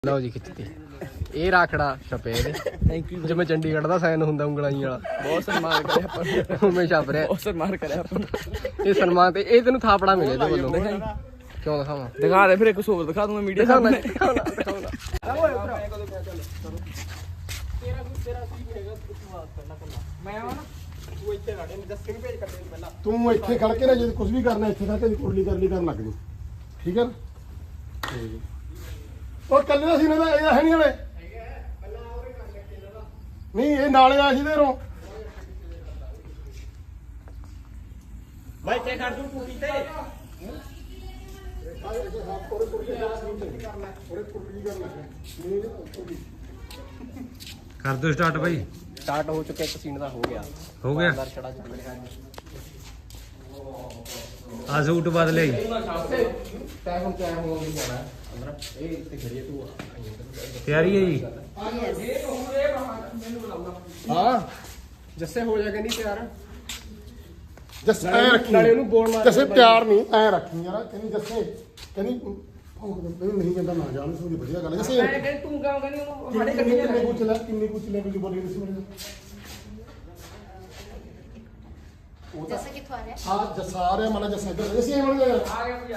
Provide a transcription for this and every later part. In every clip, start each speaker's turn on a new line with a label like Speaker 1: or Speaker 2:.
Speaker 1: ਲਓ ਜੀ ਖਿੱਚਤੀ ਇਹ ਰਾਖੜਾ ਛਪੇ ਇਹਦੇ ਥੈਂਕ ਯੂ ਜਿਵੇਂ ਚੰਡੀਗੜ੍ਹ ਦਾ ਸਾਈਨ ਹੁੰਦਾ ਉਂਗਲਾਈ ਵਾਲਾ ਬਹੁਤ ਸਨਮਾਨ ਕਰਿਆ ਆਪਾਂ ਉਵੇਂ ਛਪ ਰਿਹਾ ਬਹੁਤ ਸਨਮਾਨ ਕਰਿਆ ਆਪਾਂ ਇਹ ਸਨਮਾਨ ਤੇ ਇਹ ਤੈਨੂੰ ਥਾਪੜਾ ਮਿਲੇ ਇਹਦੇ ਵੱਲੋਂ ਕਿਉਂ ਦਿਖਾਵਾਂ ਦਿਖਾ ਦੇ ਫਿਰ ਇੱਕ ਹੋਰ ਦਿਖਾ ਦੂੰਗਾ ਮੀਡੀਆ ਸਾਹਮਣੇ ਦਿਖਾਉਣਾ
Speaker 2: ਤੂੰ ਇੱਥੇ ਖੜ ਕੇ ਨਾ ਜੇ ਕੁਝ ਵੀ ਕਰਨਾ ਇੱਥੇ ਖੜ ਕੇ ਕੁਰਲੀ ਕਰਨੀ ਕਰਨ ਲੱਗ ਜੀ ਠੀਕ ਹੈ ਉਹ ਕੱਲੇ ਦਾ ਸੀ ਨਾ ਇਹ ਹੈ ਨਹੀਂ ਹਲੇ ਨਹੀਂ ਇਹ ਨਾਲੇ ਆ ਸੀ ਦੇਰੋਂ
Speaker 3: ਭਾਈ ਤੇ ਖੜ ਤੂੰ ਕੁੜੀ ਤੇ
Speaker 4: ਕਰ ਦੋ ਸਟਾਰਟ ਬਾਈ
Speaker 1: ਸਟਾਰਟ ਹੋ ਚੁੱਕਿਆ ਇੱਕ ਸੀਨ ਦਾ ਹੋ ਗਿਆ ਅੰਦਰ ਛੜਾ ਚੱਲ ਰਿਹਾ
Speaker 4: ਆ ਸੂਟ ਬਦਲੇ
Speaker 1: ਤੈ ਹੁਣ ਕਿਆ ਹੋਊਗੀ ਜਾਣਾ ਅੰਦਰ ਇਹ ਇੱਥੇ ਖੜੀਏ ਤੂੰ
Speaker 4: ਤਿਆਰੀ ਹੈ ਜੀ
Speaker 1: ਹਾਂ ਜੱਸੇ ਹੋ ਜਾ ਕੇ ਨਹੀਂ ਤਿਆਰ
Speaker 2: ਜੱਸੇ ਐ ਰੱਖੀ
Speaker 1: ਨਾਲੇ ਉਹਨੂੰ ਬੋਲ ਮਾਰ
Speaker 2: ਜੱਸੇ ਪਿਆਰ ਨਹੀਂ ਐ ਰੱਖੀ ਯਾਰ ਕਹਿੰਦੀ ਜੱਸੇ ਕਹਿੰਦੀ ਨਹੀਂ ਕਹਿੰਦਾ ਨਾ ਜਾਣ ਸੋਦੀ ਵਧੀਆ ਗੱਲ ਜੱਸੇ
Speaker 1: ਤੂੰ ਕਹਾਂ ਕਹਿੰਦੀ ਉਹਨੂੰ
Speaker 2: ਕਿੰਨੇ ਕੁਝ ਲੈ ਕੇ ਬੋਲੀ ਨਹੀਂ ਸੁਣੀ
Speaker 5: जैसा कि आ रहा है
Speaker 2: ਹਾਂ ਜੱਸਾ ਆ ਰਿਹਾ ਮਨ ਜੱਸਾ ਇੱਧਰ ਜੱਸੇ ਐ ਬਣ ਗਿਆ ਆ ਗਿਆ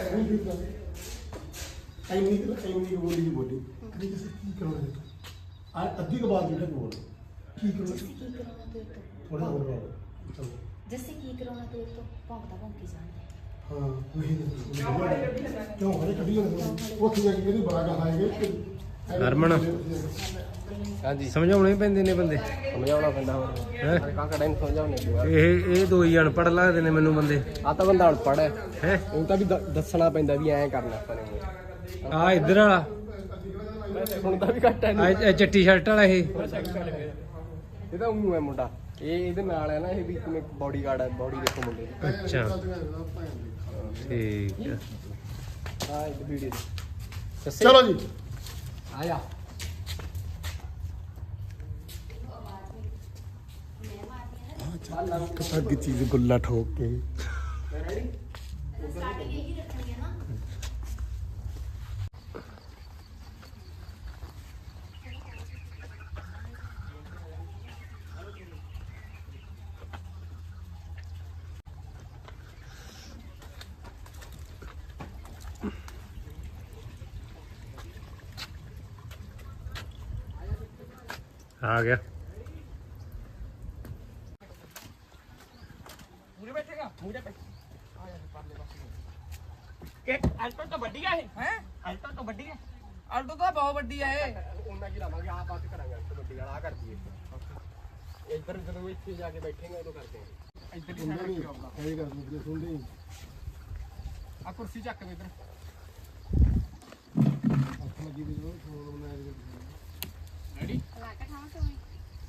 Speaker 2: ਐਨੀ ਬੋਲੀ ਦੀ ਬੋਲੀ ਕਹਿੰਦੀ ਜੱਸੇ ਕੀ ਕਰਨਾ ਹੈ ਆ ਅੱਧੀ ਕੁ ਬਾਤ ਜਿਹੜਾ ਬੋਲ ਕੀ ਕਰਨਾ
Speaker 5: जैसे की करोना तो एक तो
Speaker 2: ਥੋੜਾ ਹੋਰ ਬਾਤ ਚਲੋ
Speaker 5: जैसे की करोना तो एक तो भौंकता भौंकी जाने
Speaker 2: ਹਾਂ ਵਹੀ ਕਿਉਂ ਹਰੇ ਕੱਢੀ ਜਾਂਦੇ ਉੱਥੇ ਜਾ ਕੇ ਕਹਿੰਦੀ ਬੜਾ ਗਾ ਆਏਗੇ
Speaker 4: ਹਰਮਨ
Speaker 1: ਹਾਂਜੀ
Speaker 4: ਸਮਝਾਉਣੇ ਹੀ ਪੈਂਦੇ ਨੇ ਬੰਦੇ
Speaker 1: ਸਮਝਾਉਣਾ ਪੈਂਦਾ ਹੋਰ
Speaker 4: ਹੈਂ?
Speaker 1: ਕਾਕਾ ਨੂੰ ਸਮਝਾਉਣੇ ਪਿਆ
Speaker 4: ਇਹ ਦੋ ਹੀ ਅਨਪੜ੍ਹ ਲੱਗਦੇ ਨੇ ਮੈਨੂੰ ਬੰਦੇ
Speaker 1: ਆ ਤਾਂ ਬੰਦਾ ਅਨਪੜ੍ਹ ਹੈ
Speaker 4: ਹੈ
Speaker 1: ਉਹ ਤਾਂ ਵੀ ਦੱਸਣਾ ਪੈਂਦਾ ਵੀ ਐਂ ਕਰਨਾ ਆਪਾਂ ਨੇ
Speaker 4: ਆ ਇੱਧਰ ਵਾਲਾ
Speaker 1: ਸੁਣਦਾ ਵੀ ਘੱਟ ਹੈ
Speaker 4: ਆ ਚਿੱਟੀ ਸ਼ਰਟ ਵਾਲਾ ਇਹ
Speaker 1: ਇਹ ਤਾਂ ਉਹ ਹੈ ਮੁੰਡਾ ਇਹ ਇਹਦੇ ਨਾਲ ਹੈ ਨਾ ਇਹ ਵੀ ਕਿਵੇਂ ਬਾਡੀ ਗਾਰਡ ਹੈ ਬਾਡੀ ਦੇਖੋ ਮੁੰਡੇ ਦੀ
Speaker 4: ਅੱਛਾ ਠੀਕ ਹੈ
Speaker 1: ਹਾਂ ਇਹ ਵੀਡੀਓ
Speaker 2: ਚਲੋ ਜੀ
Speaker 1: ਆਇਆ
Speaker 2: ਕਸੱਗ ਚੀਜ਼ ਗੁੱਲਾ ਠੋਕ ਕੇ
Speaker 5: स्टार्टिंग यही रखनी है ना
Speaker 4: ਆ ਗਿਆ
Speaker 3: ਅਲਟੋ ਤਾਂ ਵੱਡੀ ਹੈ ਅਲਟੋ ਤਾਂ ਵੱਡੀ ਹੈ
Speaker 1: ਆਲਟੋ ਤਾਂ ਬਹੁਤ ਵੱਡੀ ਹੈ ਉਹਨਾਂ ਕੀ ਲਾਵਾਂਗੇ ਆਹ ਬਾਤ ਕਰਾਂਗੇ ਵੱਡੀ ਵਾਲਾ ਆ ਕਰਦੀ ਹੈ ਇੱਧਰ ਜਦੋਂ ਇੱਥੇ ਜਾ ਕੇ ਬੈਠੇਗਾ ਉਦੋਂ ਕਰਦੇ ਹਾਂ ਇੱਧਰ ਹੀ ਸਾਈਡ ਰੱਖਿਓ ਆਪਣਾ
Speaker 2: ਇਹ ਗੱਲ ਨੂੰ ਸੁਣਦੇ
Speaker 1: ਆ ਕੁਰਸੀ ਚੱਕ ਦੇ ਇੱਧਰ
Speaker 2: ਅੱਖ ਲੱਗੀ ਵੀ ਜੋ ਫੋਨ ਬਣਾਇਆ
Speaker 1: ਰੈਡੀ
Speaker 5: लाकर खाओ तो वही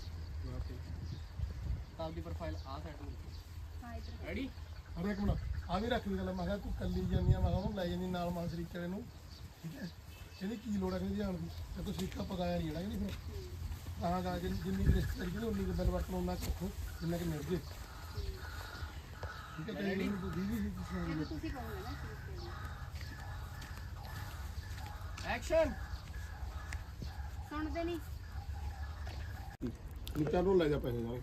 Speaker 1: ਤਾਂ ਦੀ ਪ੍ਰੋਫਾਈਲ ਆ ਸਾਈਡ ਨੂੰ
Speaker 5: हां इधर
Speaker 1: ਰੈਡੀ
Speaker 2: ਹਰ ਇੱਕ ਮਿੰਟ ਆ ਵੀ ਰੱਖ ਲਈ ਗੱਲ ਮੈਂ ਕਿਹਾ ਤੂੰ ਕੱਲੀ ਜਾਂਦੀ ਆ ਮੈਂ ਕਿਹਾ ਉਹਨੂੰ ਲੈ ਜਾਂਦੀ ਨਾਲ ਮਾਂ ਸ਼ਰੀਕੇ ਵਾਲੇ ਨੂੰ ਠੀਕ ਹੈ ਇਹਦੀ ਕੀ ਲੋੜ ਹੈ ਕਹਿੰਦੀ ਜਾਣ ਦੀ ਤੇ ਤੂੰ ਸ਼ਰੀਕਾ ਪਕਾਇਆ ਨਹੀਂ ਜਿਹੜਾ ਕਹਿੰਦੀ ਫਿਰ ਤਾਂ ਜਾ ਕੇ ਜਿੰਨੀ ਕੁ ਰਿਸ਼ਤੇਦਾਰੀ ਕਹਿੰਦੀ ਉਨੀ ਕੁ ਬਿੱਲ ਵਰਤਣ ਉਹਨਾਂ ਰੱਖੋ ਜਿੰਨਾ ਕਿ ਮਿਲ ਜੇ ਠੀਕ ਹੈ ਕਹਿੰਦੀ ਤੂੰ ਦੀਦੀ ਸੀ ਤੁਸੀਂ
Speaker 5: तुसी कहोगे ना
Speaker 1: ਐਕਸ਼ਨ
Speaker 5: सुनते नहीं
Speaker 2: ਨੀਚਾ ਨੂੰ ਲੈ ਜਾ ਪੈਸੇ ਨਾਲ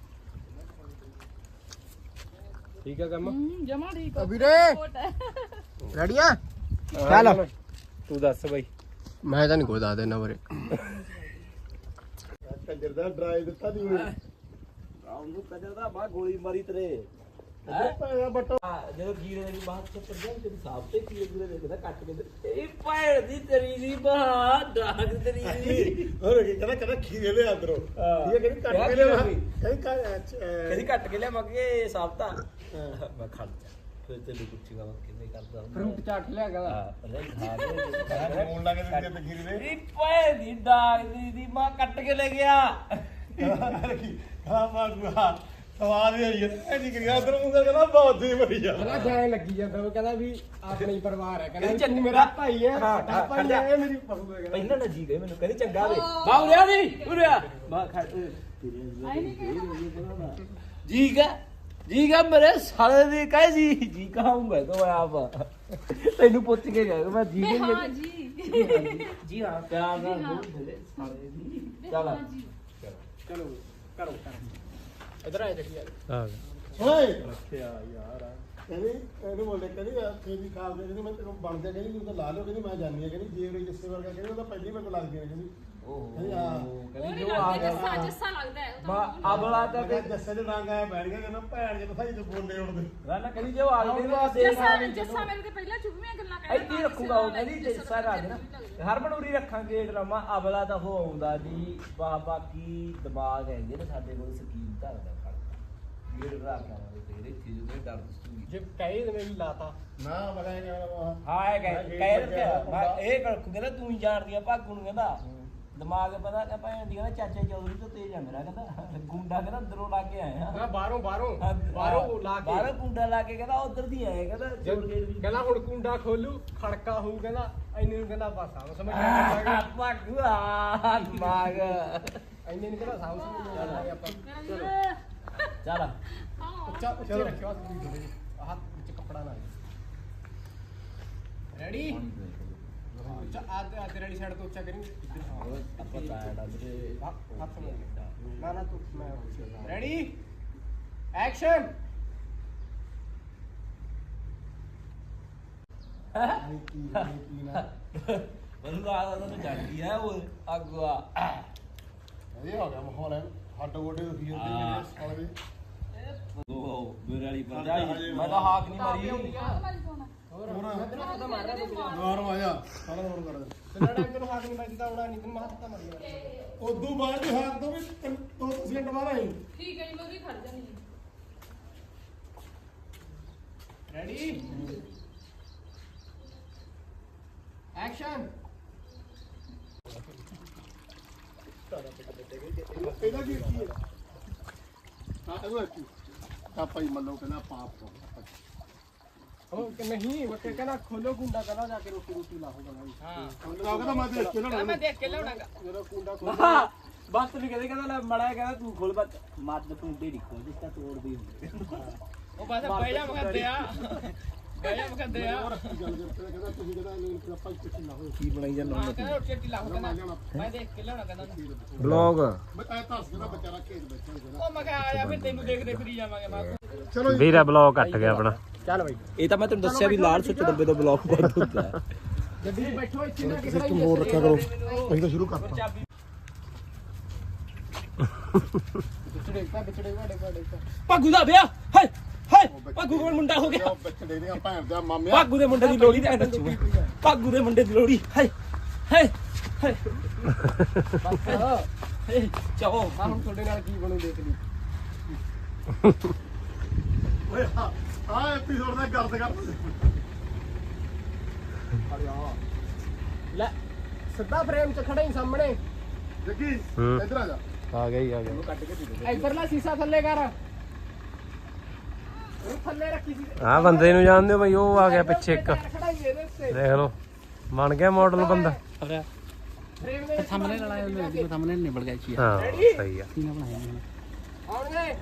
Speaker 1: ਠੀਕ ਹੈ ਕੰਮ
Speaker 5: जमा ठीक
Speaker 1: ਵੀਰੇ ਰੈਡੀ ਆ ਚੱਲ
Speaker 4: ਤੂੰ ਦੱਸ ਬਾਈ
Speaker 1: ਮੈਂ ਤਾਂ ਨਹੀਂ ਕੋਈ ਦੱਸ ਦੇਣਾ ਵੀਰੇ
Speaker 2: ਕੰਜਰ ਦਾ ਡਰਾਈ ਦਿੱਤਾ ਦੀ ਹੋਈ
Speaker 3: ਉਹਨੂੰ ਕਦਰ ਦਾ ਬਾ ਗੋਲੀ ਮਾਰੀ ਤੇਰੇ
Speaker 2: ਪੈਸਾ ਬਟਾ
Speaker 3: ਜਦੋਂ ਗੀਰੇ ਦੀ ਬਾਤ ਚ ਪਰ ਜਾਂ ਤੇਰੀ ਸਾਫ ਤੇ ਕੀ ਗੀਰੇ ਦੇਖਦਾ ਕੱਟ ਕੇ ਇਹ ਪੈਰ ਦੀ ਤੇਰੀ ਦੀ ਬਾਹ ਡਾਕ ਤੇਰੀ ਦੀ
Speaker 2: ਹੋਰ ਕੀ ਕਹਿੰਦਾ ਖੀਰੇ ਲੈ ਅੰਦਰੋਂ ਇਹ ਕਹਿੰਦੀ ਕੱਟ ਕੇ ਲੈ
Speaker 3: ਕਦੀ ਕੱਟ ਕੇ ਲਿਆ ਮੱਗੇ ਸਾਫਤਾ ਮੈਂ ਖੜ ਜਾ ਫਿਰ ਤੈਨੂੰ ਪੁੱਛੀਗਾ ਮੈਂ ਕਿਵੇਂ ਕਰਦਾ
Speaker 1: ਫਰੂਟ ਚਾਟ ਲਿਆ ਗਾ
Speaker 3: ਅਰੇ ਖਾ
Speaker 2: ਫੋਨ ਲਾ ਕੇ ਦਿੰਦੇ ਤੇ ਖੀਰੇ ਦੇ
Speaker 3: ਇਹ ਪੈਰ ਦੀ ਡਾਕ ਦੀ ਮਾਂ ਕੱਟ ਕੇ ਲੈ ਗਿਆ
Speaker 2: ਹਾਂ ਮਾਗੂਆ ਸਵਾਦ ਹੀ ਆਈ ਇਹ ਨਹੀਂ ਕਰਿਆ ਉਧਰ ਉਂਗਲ ਕਹਿੰਦਾ ਬਹੁਤ ਹੀ ਵਧੀਆ
Speaker 1: ਕਹਿੰਦਾ ਜਾਏ ਲੱਗੀ ਜਾਂਦਾ ਉਹ ਕਹਿੰਦਾ ਵੀ ਆਪਣਾ ਹੀ ਪਰਿਵਾਰ ਹੈ ਕਹਿੰਦਾ
Speaker 3: ਕਹਿੰਦੀ
Speaker 1: ਤੂੰ ਮੇਰਾ ਭਾਈ ਹੈ
Speaker 3: ਹਾਂ,
Speaker 1: ਸਾਡਾ ਭਾਈ ਹੈ ਇਹ ਮੇਰੀ ਬਹੂ ਹੈ ਕਹਿੰਦਾ
Speaker 3: ਪਹਿਲਾਂ ਨਾ ਜੀ ਗਏ ਮੈਨੂੰ ਕਹਿੰਦੀ ਚੰਗਾ ਵੇ ਬਾ ਉਰਿਆ ਦੀ ਉਰਿਆ ਬਾ ਖੜ जी का मेरे साले ने कहे जी कहाऊंगा तो मैं आप तेन पुछ के गया मैं जी के ਜੀ ਹਾਂ ਪਿਆਰ ਨਾਲ ਬੋਲ ਦੇ ਸਾਰੇ ਦੀ ਚੱਲ
Speaker 1: ਚਲੋ ਕਰੋ ਇਧਰ ਆ ਚੱਕੀ ਯਾਰ
Speaker 4: ਆ ਗਿਆ
Speaker 2: ਓਏ
Speaker 3: ਰੱਖਿਆ ਯਾਰ
Speaker 2: ਕਹਿੰਦੀ ਇਹਨੂੰ ਬੋਲੇ ਕਹਿੰਦੀ ਤੇਰੀ ਖਾਲ ਦੇ ਕਹਿੰਦੀ ਮੈਂ ਤੈਨੂੰ ਬਣਦੇ ਕਹਿੰਦੀ ਤੂੰ ਤਾਂ ਲਾ ਲਿਓ ਕਹਿੰਦੀ ਮੈਂ ਜਾਣੀ ਆ ਕਹਿੰਦੀ ਜੇ ਉਹ ਜਿੱਸੇ ਵਰਗਾ ਕਹਿੰਦੀ ਉਹ ਤਾਂ ਪਹਿਲੀ ਮੈਨੂੰ ਲੱਗਦੀ ਹੈ ਕਹਿੰਦੀ ਕਹਿੰਦੀ ਆ
Speaker 3: ਕਹਿੰਦੀ ਜੋ ਆ ਗਿਆ
Speaker 5: ਜੱਸਾ ਲੱਗਦਾ ਹੈ ਉਹ ਤਾਂ
Speaker 3: ਅਬਲਾ ਤਾਂ
Speaker 2: ਕਹਿੰਦਾ ਜੱਸੇ ਦੇ ਰੰਗ ਆਇਆ ਬੈਠ ਗਿਆ ਕਹਿੰਦਾ ਭੈਣ ਜੇ ਪਤਾ ਹੀ ਬੋਲੇ ਉੜਦੇ
Speaker 3: ਰਾਣਾ ਕਹਿੰਦੀ ਜੋ ਆ ਗਏ ਨਾ
Speaker 5: ਜੱਸਾ ਮੇਰੇ ਤੇ ਪਹਿਲਾਂ ਚੁੱਭੀਆਂ ਗੱਲਾਂ ਕਰਦਾ
Speaker 3: ਇੱਥੇ ਰੱਖੂਗਾ ਉਹ ਕਹਿੰਦੀ ਜੈਸਾ ਰਾਜ ਨਾ ਹਰਮਨ ਉਰੀ ਰੱਖਾਂਗੇ ਡਰਾਮਾ ਅਬਲਾ ਤਾਂ ਉਹ ਆਉਂਦਾ ਨਹੀਂ ਬਾਕੀ ਦਿਮਾਗ ਹੈਗੇ ਨੇ ਸਾਡੇ ਕੋਲ ਸਕੀਮ ਧਰਦਾ ਖੜਦਾ ਗੇੜ ਰੱਖ ਆਵਾਂਗੇ ਤੇਰੇ ਇੱਥੇ ਜਦੋਂ ਡਰ ਦਸੂਗੀ
Speaker 1: ਜੇ ਕਹੇ ਤੇ ਮੈਂ ਵੀ ਲਾਤਾ
Speaker 2: ਨਾ ਪਤਾ ਨਹੀਂ ਕਿਹੜਾ
Speaker 3: ਹਾਂ ਇਹ ਕਹਿ ਰੱਖਿਆ ਮੈਂ ਇਹ ਰੱਖੂਗਾ ਨਾ ਤੂੰ ਹੀ ਜਾਣਦੀ ਆ ਭਾਗੂ ਨੂੰ ਕਹਿੰਦਾ ਦਿਮਾਗ ਪਤਾ ਕਿ ਭੈਣ ਦੀ ਕਹਿੰਦਾ ਚਾਚਾ ਚੌਧਰੀ ਤੋਂ ਤੇਜ਼ ਆ ਮੇਰਾ ਕਹਿੰਦਾ ਗੁੰਡਾ ਕਹਿੰਦਾ ਅੰਦਰੋਂ ਲਾ ਕੇ ਆਏ ਆ
Speaker 1: ਬਾਹਰੋਂ ਲਾ ਕੇ
Speaker 3: ਬਾਹਰੋਂ ਗੁੰਡਾ ਲਾ ਕੇ ਕਹਿੰਦਾ ਉਧਰ ਦੀ ਆਏ ਕਹਿੰਦਾ ਚੋਰ ਗੇੜ ਦੀ
Speaker 1: ਕਹਿੰਦਾ ਹੁਣ ਕੁੰਡਾ ਖੋਲੂ ਖੜਕਾ ਹੋਊ ਕਹਿੰਦਾ ਇੰਨੇ ਨੂੰ ਕਹਿੰਦਾ ਬਸ ਆਉਂ ਸਮਝ ਆ
Speaker 3: ਭਾਗੂ ਆ ਦਿਮਾਗ
Speaker 1: ਇੰਨੇ ਨੂੰ ਕਹਿੰਦਾ ਸਾਊ ਸਮਝ ਆਪਾਂ
Speaker 3: ਚੱਲ
Speaker 1: ਉੱਚਾ ਉੱਚੇ ਰੱਖਿਓ ਆਹ ਵਿੱਚ ਕੱਪੜਾ ਨਾ ਰੈਡੀ ਉੱਚਾ ਆ ਤੇ ਰੈਡੀ ਸਾਈਡ ਤੋਂ ਉੱਚਾ ਕਰੀ
Speaker 3: ਆਪਾਂ ਟਾਇਰਡ ਆ ਵੀਰੇ
Speaker 1: ਹੱਥ ਨਾ ਨਾ ਤੂੰ ਮੈਂ ਰੈਡੀ ਐਕਸ਼ਨ
Speaker 2: ਕੀ ਨਾ
Speaker 3: ਮੈਨੂੰ ਲੱਗਦਾ ਤੁਹਾਨੂੰ ਜਾਣਦੀ ਹੈ ਉਹ ਅਗਵਾ
Speaker 2: ਇਹ ਹੋ ਗਿਆ ਮਾਹੌਲ ਹੈ ਹੱਡ ਗੋਡੇ ਦੁਖੀ ਜਾਂਦੇ ਮੇਰੇ ਸਾਲੇ ਦੇ
Speaker 3: ਉਹ ਮੇਰੇ ਵਾਲੀ ਪੰਜਾਈ ਮੈਂ ਤਾਂ ਹਾਕ ਨਹੀਂ ਮਾਰੀ
Speaker 2: ਦੁਬਾਰਾ ਆ ਜਾ ਸਾਰਾ ਹੋਰ ਕਰ ਦੇ
Speaker 1: ਲੜਾ ਮੈਨੂੰ ਹੱਥ ਨਹੀਂ ਵੱਜਦਾ ਉਹਨਾਂ ਨਹੀਂ ਤੈਨੂੰ ਹੱਥ ਤਾਂ ਮਰ ਗਿਆ
Speaker 2: ਉਦੋਂ ਬਾਅਦ ਦੇ ਹੱਥ ਤੋਂ ਵੀ 2 ਸਕਿੰਟ ਬਾਅਦ ਆਈ
Speaker 5: ਠੀਕ ਹੈ ਜੀ ਮੈਂ ਵੀ ਖੜ ਜਾਣੀ
Speaker 1: ਰੈਡੀ ਐਕਸ਼ਨ
Speaker 2: ਇਹਦਾ ਕੀ ਹੈ ਹਾਂ ਇਹ ਕੀ ਪਾਪਾ ਹੀ ਮੰਨੋ ਕਹਿੰਦਾ ਪਾਪ
Speaker 1: ਉਹ ਕਿ ਨਹੀਂ ਉਹ ਕਹਿੰਦਾ ਖੋਲੋ ਕੁੰਡਾ ਕਹਿੰਦਾ ਜਾ ਕੇ ਰੋਟੀ ਲਾਹੂਗਾ ਹਾਂ
Speaker 2: ਕਹਿੰਦਾ ਮੈਂ ਦੇਖ ਕੇ ਲੈਣਾ
Speaker 1: ਮੈਂ ਦੇਖ ਕੇ ਲਿਆਉਣਾਗਾ
Speaker 2: ਮੇਰਾ ਕੁੰਡਾ ਖੋਲ
Speaker 3: ਬਸ ਵੀ ਕਹਿੰਦਾ ਮੜਾ ਕਹਿੰਦਾ ਤੂੰ ਖੋਲ ਬਸ ਮੱਦ ਕੁੰਡੇ ਨਹੀਂ ਖੋਲ ਜਿਸ ਤਾਂ ਤੋੜਦੀ ਹੁੰਦੀ
Speaker 1: ਉਹ ਬਸ ਬਹਿ ਜਾ ਮਗਦੇ ਆ ਬਹਿ ਜਾ ਮਗਦੇ ਆ
Speaker 2: ਗੱਲ ਕਰਦੇ ਕਹਿੰਦਾ ਤੁਸੀਂ ਕਹਿੰਦਾ ਨਹੀਂ ਆਪਾਂ ਕਿੱਥੇ ਨਾ ਹੋਏ
Speaker 3: ਕੀ ਬਣਾਈ ਜਾਂਦਾ
Speaker 1: ਕਹਿੰਦਾ ਰੋਟੀ ਲਾਹੂਗਾ ਮੈਂ ਦੇਖ ਕੇ ਲਿਆਉਣਾ ਕਹਿੰਦਾ
Speaker 4: ਬਲੌਗ
Speaker 2: ਮੈਂ ਤਾਂ ਦੱਸ ਕਹਿੰਦਾ ਵਿਚਾਰਾ ਖੇਤ ਬੈਠਾ ਕਹਿੰਦਾ
Speaker 1: ਉਹ ਮੈਂ ਕਿਹਾ ਆ ਜਾ ਫਿਰ ਤੈਨੂੰ ਦੇਖਦੇ ਫਿਰੀ ਜਾਵਾਂਗੇ ਮੈਂ
Speaker 2: ਚਲੋ
Speaker 4: ਵੀਰਾ ਬਲੌਗ ਕੱਟ ਗਿਆ ਆਪਣਾ
Speaker 1: ਚੱਲ ਬਈ
Speaker 3: ਇਹ ਤਾਂ ਮੈਂ ਤੈਨੂੰ ਦੱਸਿਆ ਵੀ ਲਾਲ ਸੁੱਚ ਡੱਬੇ ਤੋਂ ਬਲੌਕ ਬੰਦ ਹੁੰਦਾ ਹੈ
Speaker 1: ਗੱਡੀ 'ਚ ਬੈਠੋ ਇੱਥੇ ਨਾ
Speaker 2: ਕਿਸੇ ਤੋਂ ਹੋਰ ਰੱਖਿਆ ਕਰੋ ਅਸੀਂ ਤਾਂ ਸ਼ੁਰੂ ਕਰਤਾ
Speaker 1: ਵਿਚੜੇ ਵਾੜੇ
Speaker 3: ਭਾਗੂ ਦਾ ਵਿਆਹ ਹਾਏ ਹਾਏ ਭਾਗੂ ਕੋਲ ਮੁੰਡਾ ਹੋ ਗਿਆ
Speaker 2: ਬੱਚੇ ਦੇ ਦੀਆਂ ਭੈਣ ਦਾ ਮਾਮਿਆ
Speaker 3: ਭਾਗੂ ਦੇ ਮੁੰਡੇ ਦੀ ਲੋੜੀ ਤੇ ਨੱਚੂ ਭਾਗੂ ਦੇ ਮੁੰਡੇ ਦੀ ਲੋੜੀ ਹਾਏ ਹਾਏ ਹਾਏ ਹਾਏ ਚਾਹੋ
Speaker 1: ਆ ਹੁਣ ਤੁਹਾਡੇ ਨਾਲ ਕੀ ਬਣੂ ਦੇਖ ਲਈ
Speaker 2: ਓਏ ਆ ਐਪੀਸੋਡ ਦਾ ਗਰਦ ਕਰ
Speaker 1: ਲੈ ਸਿੱਧਾ ਫਰੇਮ 'ਚ ਖੜਾ ਹੀ ਸਾਹਮਣੇ
Speaker 2: ਜੱਗੀ ਇੱਧਰ ਆ ਜਾ
Speaker 4: ਆ ਗਿਆ
Speaker 1: ਇੱਧਰਲਾ ਸੀਸਾ ਥੱਲੇ ਕਰ ਉਹ ਥੱਲੇ ਰੱਖੀ ਸੀ
Speaker 4: ਆ ਬੰਦੇ ਨੂੰ ਜਾਣਦੇ ਹੋ ਬਈ ਉਹ ਆ ਗਿਆ ਪਿੱਛੇ ਇੱਕ
Speaker 1: ਖੜਾ ਹੀ ਇਹਦੇ ਉੱਤੇ
Speaker 4: ਦੇਖ ਲਓ ਬਣ ਗਿਆ ਮਾਡਲ ਬੰਦਾ
Speaker 1: ਫਰੇਮ ਦੇ ਸਾਹਮਣੇ ਲੜਾਇਆ ਉਹਨੇ
Speaker 3: ਸਾਹਮਣੇ ਨਿਬੜ ਗਿਆ ਚੀਜ਼
Speaker 4: ਹਾਂ ਸਹੀ ਆ
Speaker 1: ਆਉਣਗੇ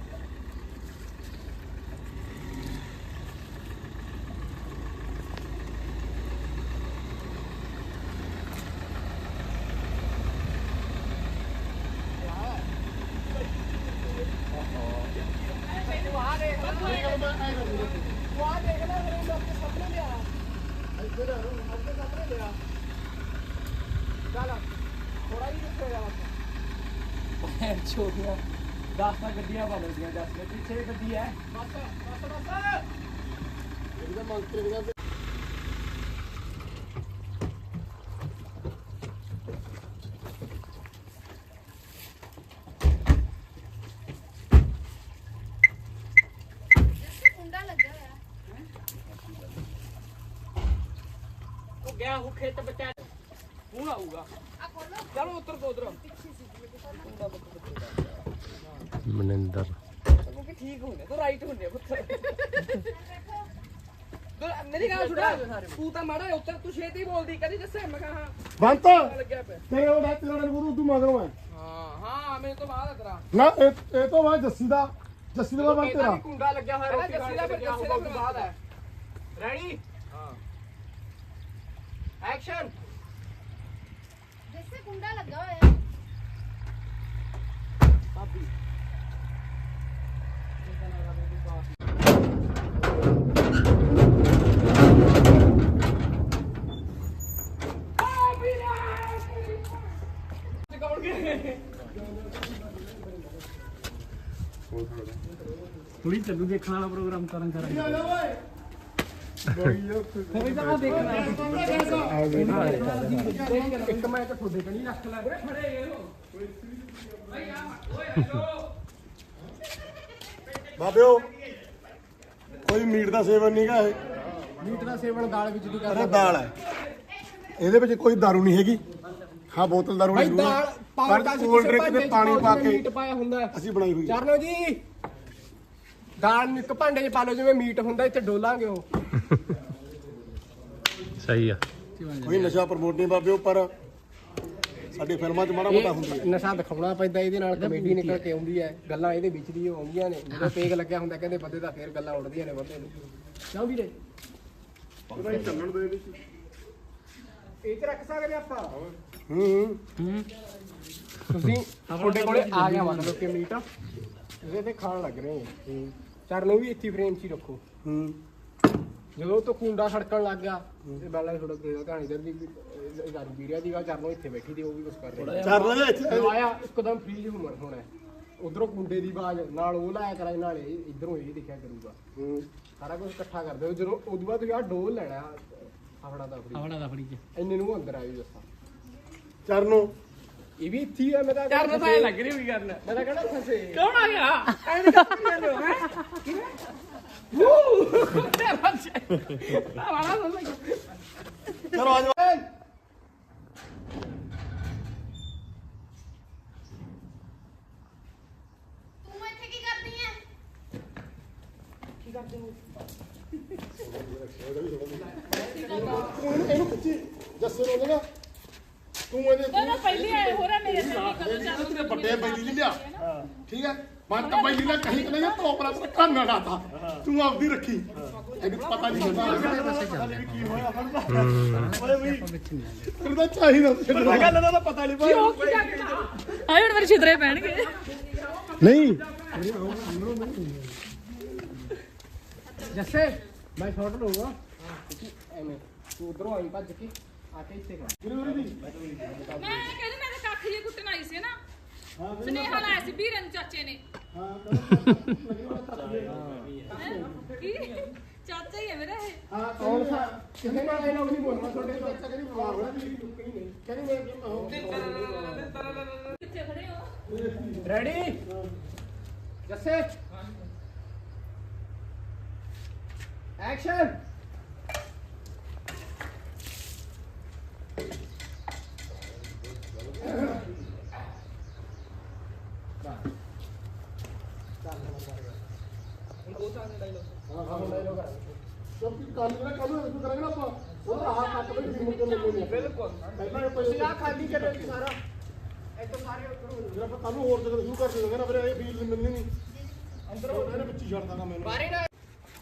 Speaker 3: ਛੋਟੀਆਂ 10 ਗੱਡੀਆਂ ਬਣਦੀਆਂ 10 ਦੇ ਪਿੱਛੇ ਗੱਡੀ ਹੈ
Speaker 2: ਇਹਦਾ ਮੰਤਰੀ ਦੀਆਂ
Speaker 5: ਕੁੰਡਾ ਲੱਗਾ ਹੋਇਆ
Speaker 1: ਉਹ ਗਿਆ ਉਹ ਖੇਤ ਬੱਚਾ ਹੁਣ ਆਊਗਾ
Speaker 5: ਆ ਖੋਲੋ
Speaker 1: ਚਲੋ ਉੱਤਰ ਦੋ ਉਧਰ
Speaker 4: ਮਨਿੰਦਰ
Speaker 1: ਕਿਉਂਕਿ ਠੀਕ ਹੁੰਦੇ ਤੂੰ ਰਾਈਟ ਹੁੰਦੇ ਪੁੱਤਰ ਮੇਰੀ ਗੱਲ ਸੁਣ ਤੂੰ ਤਾਂ ਮਾੜਾ ਉੱਤਰ ਤੂੰ ਛੇਤੀ ਬੋਲਦੀ ਕਦੀ ਦੱਸੇ ਮੈਂ ਕਹਾ
Speaker 2: ਬੰਤ
Speaker 1: ਲੱਗਿਆ ਪਿਆ
Speaker 2: ਤੇ ਉਹ ਨਾ ਤੇਰਾ ਨੂੰ ਤੂੰ ਮਗਰੋਂ ਹੈ
Speaker 1: ਹਾਂ ਮੇਰੇ ਤੋਂ ਬਾਅਦ ਤੇਰਾ
Speaker 2: ਨਾ ਇਹ ਤੋਂ ਬਾਅਦ ਜੱਸੀ ਦਾ ਬੰਦ ਤੇਰਾ
Speaker 1: ਕੁੰਡਾ ਲੱਗਿਆ ਹੋਇਆ ਰੋਟੀ ਜੱਸੀ ਦਾ ਫਿਰ ਬਾਅਦ ਹੈ ਰੈਡੀ ਹਾਂ ਐਕਸ਼ਨ
Speaker 5: ਜੱਸੇ ਕੁੰਡਾ ਲੱਗਾ ਹੋਇਆ।
Speaker 6: ਥੋੜੀ ਚੱਲੂ ਦੇਖਣ ਵਾਲਾ ਪ੍ਰੋਗਰਾਮ ਕਰਨ ਕਰਾਂਗੇ
Speaker 1: ਇੱਕ ਮੈਂ ਤਾਂ ਤੁਹਾਡੇ ਕਣੀ ਰੱਖ ਲੈ
Speaker 2: ਬਾਬਿਓ ਕੋਈ ਮੀਟ ਦਾ ਸੇਵਨ ਨਹੀਂਗਾ ਇਹ
Speaker 1: ਮੀਟ ਦਾ ਸੇਵਨ ਦਾਲ ਵਿੱਚ ਦੀ
Speaker 2: ਅਰੇ
Speaker 1: ਕਰਦਾ
Speaker 2: ਦਾਲ ਹੈ ਇਹਦੇ ਵਿੱਚ ਕੋਈ ਦਾਰੂ ਨਹੀਂ ਹੈਗੀ ਹਾਂ ਬੋਤਲ ਦਾਰੂ
Speaker 1: ਭਾਈ
Speaker 2: ਨਹੀਂ
Speaker 1: ਦਾਲ
Speaker 2: ਪਰ ਕੋਲਡ ਡਰਿੰਕ ਤੇ ਪਾਣੀ ਪਾ ਕੇ
Speaker 1: ਮੀਟ ਪਾਇਆ ਹੁੰਦਾ ਹੈ।
Speaker 2: ਅਸੀਂ ਬਣਾਈ ਹੋਈ ਹੈ।
Speaker 1: ਚਰਨੋ ਜੀ ਦਾਲ ਨੂੰ ਇੱਕ ਭਾਂਡੇ 'ਚ ਪਾ ਲਓ ਜਿਵੇਂ ਮੀਟ ਹੁੰਦਾ ਇੱਥੇ ਡੋਲਾਂਗੇ ਉਹ
Speaker 4: ਸਹੀ ਆ
Speaker 2: ਕੋਈ ਨਸ਼ਾ ਪ੍ਰਮੋਟ ਨਹੀਂ ਬਾਬਿਓ ਪਰ ਸਾਡੀ ਫਿਲਮਾਂ 'ਚ ਮਾੜਾ ਮੋਟਾ ਹੁੰਦੀ ਹੈ
Speaker 1: ਨਸ਼ਾ ਦਿਖਾਉਣਾ ਪੈਂਦਾ ਇਹਦੇ ਨਾਲ ਕਮੇਡੀ ਨਿਕਲ ਕੇ ਆਉਂਦੀ ਹੈ ਗੱਲਾਂ ਇਹਦੇ ਵਿੱਚ ਦੀ ਆਉਂਦੀਆਂ ਨੇ ਜਦੋਂ ਪੇਗ ਲੱਗਿਆ ਹੁੰਦਾ ਕਹਿੰਦੇ ਬੰਦੇ ਦਾ ਫੇਰ ਗੱਲਾਂ ਉੱਡਦੀਆਂ ਨੇ ਬੰਦੇ ਨੂੰ ਕਿਉਂ ਵੀਰੇ
Speaker 2: ਚੱਲਣ ਦੇ ਵਿੱਚ
Speaker 1: ਇਹ ਚ ਰੱਖ ਸਕਦੇ ਆਪਾਂ
Speaker 2: ਹੂੰ
Speaker 1: ਤੁਸੀਂ ਤੁਹਾਡੇ ਕੋਲੇ ਆ ਗਿਆ ਮਤਲਬ ਕਿ ਮੀਟ ਇਹਦੇ ਤੇ ਖਾਣ ਲੱਗ ਰਹੇ ਹੋ ਚਰਨੋਂ ਵੀ ਇੱਥੇ ਫਰੇਮ 'ਚ ਹੀ ਰੱਖੋ
Speaker 2: ਹੂੰ
Speaker 1: ਜਦੋਂ ਤੋਂ ਕੁੰਡਾ ਖੜਕਣ ਲੱਗ ਗਿਆ ਇਹ ਬਾਲਾ ਥੋੜਾ ਕਿਹੜਾ ਕਹਾਣੀ ਦਰ ਦੀ ਦਾਰੂ ਪੀ ਰਿਹਾ ਸੀਗਾ ਚਰਨੋਂ ਇੱਥੇ ਬੈਠੀ ਦੀ ਉਹ ਵੀ ਕੁਝ ਕਰ ਰਿਹਾ
Speaker 2: ਚੱਲ ਲੈ ਇੱਥੇ
Speaker 1: ਜਦੋਂ ਆਇਆ ਇੱਕਦਮ ਫ੍ਰੀਜ ਹੋਣਾ ਉਧਰੋਂ ਕੁੰਡੇ ਦੀ ਆਵਾਜ਼ ਨਾਲ ਉਹ ਲਾਇਆ ਕਰਾਂ ਨਾਲ ਇਧਰੋਂ ਇਹ ਦਿਖਿਆ ਕਰੂਗਾ
Speaker 2: ਹੂੰ
Speaker 1: ਸਾਰਾ ਕੁਝ ਇਕੱਠਾ ਕਰਦੇ ਹੋ ਜਦੋਂ ਉਦੋਂ ਬਾਅਦ ਤੁਸੀਂ ਆਹ ਡੋਲ ਲੈਣਾ ਆਪਣਾ ਦਾ ਫਰੀ
Speaker 6: ਆਵੜਾ ਦਾ ਫੜੀ ਚ
Speaker 1: ਇੰਨੇ ਨੂੰ ਅੰਦਰ ਆਈ ਦੱਸਾਂ
Speaker 2: ਚਰਨੋ
Speaker 1: ਇਹ ਵੀ ਇੱਥੇ ਹੀ ਆ ਮੈਂ ਤਾਂ
Speaker 6: ਚਰਨ ਤਾਂ ਇਹ ਲੱਗ ਰਹੀ ਵੀ ਕਰਨ
Speaker 1: ਮੈਂ ਤਾਂ ਕਹਿੰਦਾ ਫਸੇ
Speaker 6: ਕੌਣ ਆ ਗਿਆ ਐਂ ਕਰ ਲੋ ਹੈ ਤੇ ਬੱਚੇ ਆਵੜਾ ਦਾ
Speaker 2: ਚਲੋ ਆ ਜਾਓ
Speaker 5: ਤੂੰ ਇੱਥੇ ਕੀ ਕਰਦੀ ਐ?
Speaker 2: ਤੂੰ ਇਹਨੂੰ ਪੁੱਛੀ ਜੱਸੇ ਨੂੰ ਨਾ ਤੂੰ ਇਹਦੇ
Speaker 5: ਜਦੋਂ ਪਹਿਲੀ ਆਏ ਹੋ ਰਿਹਾ ਮੇਰੇ ਸਾਹਮਣੇ ਕਦੋਂ ਚੱਲ
Speaker 2: ਤੇ ਵੱਡੇ ਬੈਲੀ ਨਹੀਂ ਲਿਆ ਠੀਕ ਹੈ ਮੈਂ ਤਾਂ ਬੈਲੀ ਦਾ ਕਹੀਂ ਕਿ ਨਹੀਂ ਟੋਪਰਾ ਤੇ ਕੰਨ ਨਾ ਲਾਤਾ ਤੂੰ ਆਪਦੀ ਰੱਖੀ ਇਹਨੂੰ ਪਤਾ ਨਹੀਂ ਹੁੰਦਾ ਕੀ ਹੋਇਆ ਓਏ ਵੀ ਤੈਨੂੰ ਤਾਂ ਚਾਹੀਦਾ ਗੱਲ ਦਾ ਪਤਾ ਨਹੀਂ ਭਾਈ
Speaker 5: ਆਏ ਹੁਣ ਮੇਰੇ ਛਿਦਰੇ ਪੈਣਗੇ
Speaker 2: ਨਹੀਂ
Speaker 1: ਜੱਸੇ ਮੈਂ ਸ਼ਾਟ ਲਊਗਾ ਐਵੇਂ ਤੂੰ ਉਧਰੋਂ ਆਈ ਭੱਜ ਕੇ ਆ ਕੇ ਇੱਥੇ ਕਰ
Speaker 5: ਮੈਂ ਕਹਿੰਦੀ ਮੈਂ ਤਾਂ ਕੱਖ ਜੇ ਕੁੱਟਣ ਆਈ ਸੀ ਨਾ ਸੁਨੇਹਾ ਲਾਇਆ ਸੀ ਵੀਰਨ ਚਾਚੇ ਨੇ ਕੀ ਚਾਚਾ ਹੀ ਹੈ ਮੇਰਾ ਇਹ
Speaker 2: ਹਾਂ
Speaker 1: ਕੌਣ ਸਾ ਕਿਸੇ ਨਾਲ ਇਹ ਲੋਕ ਨਹੀਂ ਬੋਲਣਾ ਤੁਹਾਡੇ ਚਾਚਾ ਕਹਿੰਦੀ ਬਿਮਾਰ ਹੋਣਾ ਵੀ ਕਹੀਂ ਨਹੀਂ ਕਹਿੰਦੀ ਮੈਂ
Speaker 5: ਕਿੱਥੇ ਖੜੇ ਹੋ
Speaker 1: ਰੈਡੀ ਜੱਸੇ ਐਕਸ਼ਨ
Speaker 2: ਕਿਉਂਕਿ ਕੱਲ ਜਿਹੜਾ ਕੱਲ ਨੂੰ ਕਰਾਂਗੇ ਨਾ ਆਪਾਂ ਉਹਦਾ ਆਹ ਕੱਟ ਵੀ ਫਿਲਮ ਤੋਂ ਲੈਣੇ ਬਿਲਕੁਲ ਪਹਿਲਾਂ
Speaker 1: ਤੁਸੀਂ ਆ ਖਾਲੀ ਕਰੋ ਜੀ ਸਾਰਾ ਇੱਥੇ ਸਾਰੇ ਉੱਪਰ
Speaker 2: ਜਿਹੜਾ ਆਪਾਂ ਕੱਲ ਨੂੰ ਹੋਰ ਜਗ੍ਹਾ ਸ਼ੁਰੂ ਕਰ ਦੇਵਾਂਗੇ ਨਾ ਫਿਰ ਇਹ ਫੀਲ ਮਿਲਣੀ ਨਹੀਂ ਅੰਦਰ ਉਹ ਇਹਨੇ ਵਿੱਚ ਹੀ ਛੱਡ ਦਾਂਗਾ ਮੈਨੂੰ
Speaker 1: ਬਾਰੇ ਨਾ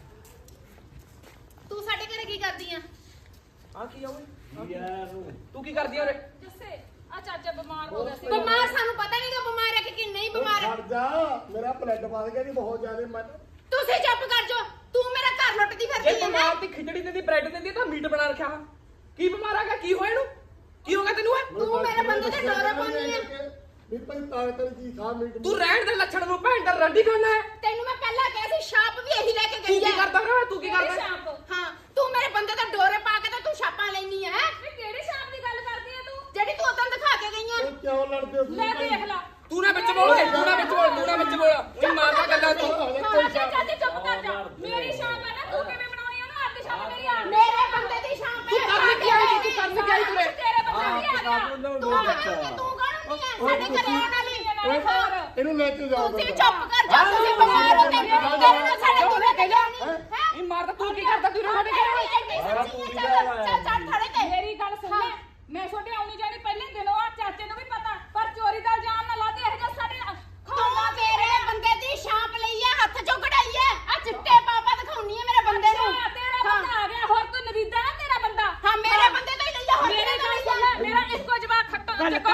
Speaker 5: ਤੂੰ ਸਾਡੇ ਘਰੇ ਕੀ ਕਰਦੀ ਆ?
Speaker 1: ਆ ਕੀ ਆ ਓਏ ਤੂੰ ਕੀ ਕਰਦੀ ਆ ਉਰੇ
Speaker 5: ਜੱਸੇ ਆ ਚਾਚਾ ਬਿਮਾਰ ਹੋ ਗਿਆ ਸੀ
Speaker 7: ਬਿਮਾਰ ਸਾਨੂੰ ਪਤਾ ਨਹੀਂਗਾ ਬਿਮਾਰ ਹੈ ਕਿ ਨਹੀਂ ਬਿਮਾਰ ਹੈ।
Speaker 2: ਛੱਡ ਜਾ ਮੇਰਾ ਬਲੱਡ ਵੱਧ ਗਿਆ ਜੀ ਬਹੁਤ ਜ਼ਿਆਦਾ ਮੈਂ
Speaker 7: ਤੁਸੀਂ ਚੁੱਪ ਕਰ ਜਾਓ ਤੂੰ ਮੇਰਾ ਘਰ ਲੁੱਟਦੀ
Speaker 1: ਜੇ
Speaker 7: ਫਿਰਦੀ ਹੈ
Speaker 1: ਬਿਮਾਰ ਦੀ ਖਿਚੜੀ ਦਿੰਦੀ ਬ੍ਰੈਡ ਦਿੰਦੀ ਤਾਂ ਮੀਟ ਬਣਾ ਰੱਖਿਆ ਵਾ ਕੀ ਬਿਮਾਰ ਆ ਗਿਆ ਕੀ ਹੋਇਆ ਇਹਨੂੰ ਕੀ ਹੋ ਗਿਆ ਤੈਨੂੰ ਏ
Speaker 7: ਤੂੰ ਮੇਰੇ ਬੰਦੇ ਤੇ ਡੋਰੇ ਪਾਉਣੀ ਹੈ
Speaker 2: ਵੀ ਭਾਈ ਤਾਕਤ ਵਾਲੀ ਚੀਜ਼ ਖਾ ਮੀਟ
Speaker 1: ਤੂੰ ਰਹਿਣ ਦੇ ਲੱਛਣ ਨੂੰ ਭੈਣ ਦਾ ਰੰਡੀ ਖਾਣਾ ਹੈ
Speaker 7: ਤੈਨੂੰ ਮੈਂ ਪਹਿਲਾਂ ਕਿਹਾ ਸੀ ਛਾਪ ਵੀ ਇਹੀ ਲੈ ਕੇ
Speaker 1: ਤੂੰ
Speaker 7: ਗਈ
Speaker 1: ਕੀ
Speaker 7: ਹੈ
Speaker 1: ਕਰਦਾ ਰਿਹਾ ਤੂੰ ਕੀ ਕਰਦਾ
Speaker 5: ਸ਼ਾਪ
Speaker 7: ਹਾਂ ਤੂੰ ਮੇਰੇ ਬੰਦੇ ਤੇ ਡੋਰੇ ਪਾ ਕੇ ਤੇ ਤੂੰ ਛਾਪਾਂ ਲੈਣੀ ਹੈ
Speaker 5: ਵੇ ਕਿਹੜੇ ਸ਼ਾਪ ਦੀ ਗੱਲ ਕਰਦੀ ਆ ਤੂੰ
Speaker 7: ਜਿਹੜੀ ਤੂੰ ਉਦੋਂ ਦਿਖਾ ਕੇ ਗਈ ਹੈ
Speaker 2: ਕਿਉਂ ਲੜਦੇ ਹੋ
Speaker 5: ਲੈ ਦੇਖ ਲਾ
Speaker 1: ਤੂੰ ਨਾ ਵਿੱਚ ਬੋਲ ਤੂੰ ਨਾ ਵਿੱਚ ਬੋਲ ਤੂੰ ਨਾ ਵਿੱਚ ਬੋਲ ਇਹ ਮਾਰਦਾ ਗੱਲਾਂ ਤੂੰ
Speaker 5: ਚਾਚਾ ਜੀ ਚੁੱਪ ਕਰ ਜਾ ਮੇਰੀ ਸ਼ਾਪ ਹੈ ਨਾ ਤੂੰ ਕਿਵੇਂ ਬਣਾਉਣੀ ਉਹਨੂੰ ਆਪਣੀ ਸ਼ਾਪ ਮੇਰੀ ਆ
Speaker 7: ਮੇਰੇ ਬੰਦੇ ਦੀ ਛਾਪ ਹੈ
Speaker 1: ਕਰਨ ਕੀ ਆਈ ਤੂੰ ਕਰਨ ਕੀ ਆਈ ਤੂੰ
Speaker 5: ਤੇਰੇ ਬੰਦੇ ਵੀ ਆ ਗਿਆ
Speaker 7: ਤੂੰ ਕੌਣ ਨਹੀਂ ਹੈ ਸਾਡੇ ਘਰੇ ਆਉਣ ਵਾਲੀ
Speaker 5: ਹੋਰ
Speaker 2: ਇਹਨੂੰ ਲੈ ਕੇ ਜਾਓ
Speaker 7: ਤੁਸੀਂ ਚੁੱਪ ਕਰ ਜਾ ਤੁਸੀਂ ਬਿਮਾਰ ਹੋ ਤੇ ਤੇਰੇ ਨਾਲ ਸਾਡੇ ਕਿਵੇਂ ਕਹਿਆ ਨਹੀਂ ਹੈ
Speaker 1: ਇਹ ਮਾਰਦਾ ਤੂੰ ਕੀ ਕਰਦਾ ਤੂੰ ਸਾਡੇ
Speaker 7: ਚੱਲ ਚੱਲ ਖੜੇ ਤੇ
Speaker 5: ਮੇਰੀ ਗੱਲ ਸੁਣ ਲੈ ਮੈਂ ਛੋਟੇ ਆਉਣੀ ਜਾਣੀ ਪਹਿਲੇ ਦਿਨੋਂ ਆ ਚਾਚੇ ਨੂੰ ਵੀ ਪਤਾ ਪਰ ਚੋਰੀ ਦਾ ਇਲਜ਼ਾਮ ਨਾ ਲਾ ਦੇ ਇਹ ਜੋ ਸਾਡੇ
Speaker 7: ਤੂੰ ਮੇਰੇ ਬੰਦੇ ਦੀ ਛਾਪ ਲਈ ਹੈ ਹੱਥ ਚੋਂ ਕਢਾਈ ਹੈ ਆ ਚਿੱਟੇ ਪਾਪਾ ਦਿਖਾਉਣੀ ਹੈ ਮੇਰੇ ਬੰਦੇ ਨੂੰ
Speaker 5: ਤੇਰਾ ਬੰਦਾ ਆ ਗਿਆ ਹੋਰ ਤੂੰ ਨਰੀਦਾ ਨਾ ਤੇਰਾ ਬੰਦਾ
Speaker 7: ਹਾਂ ਮੇਰੇ ਬੰਦੇ ਤੋਂ ਹੀ ਲਈ ਹੈ ਹੋਰ
Speaker 5: ਮੇਰੀ
Speaker 7: ਕਿਹਦੇ ਤੋਂ
Speaker 5: ਗੱਲ
Speaker 7: ਲਈ
Speaker 5: ਸੁਣ
Speaker 7: ਹੈ
Speaker 5: ਲੈ ਮੇਰਾ ਇੱਕੋ ਜਵਾਬ ਖੱਟੋ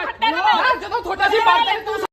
Speaker 6: ਵਰਤੇ ਤੂੰ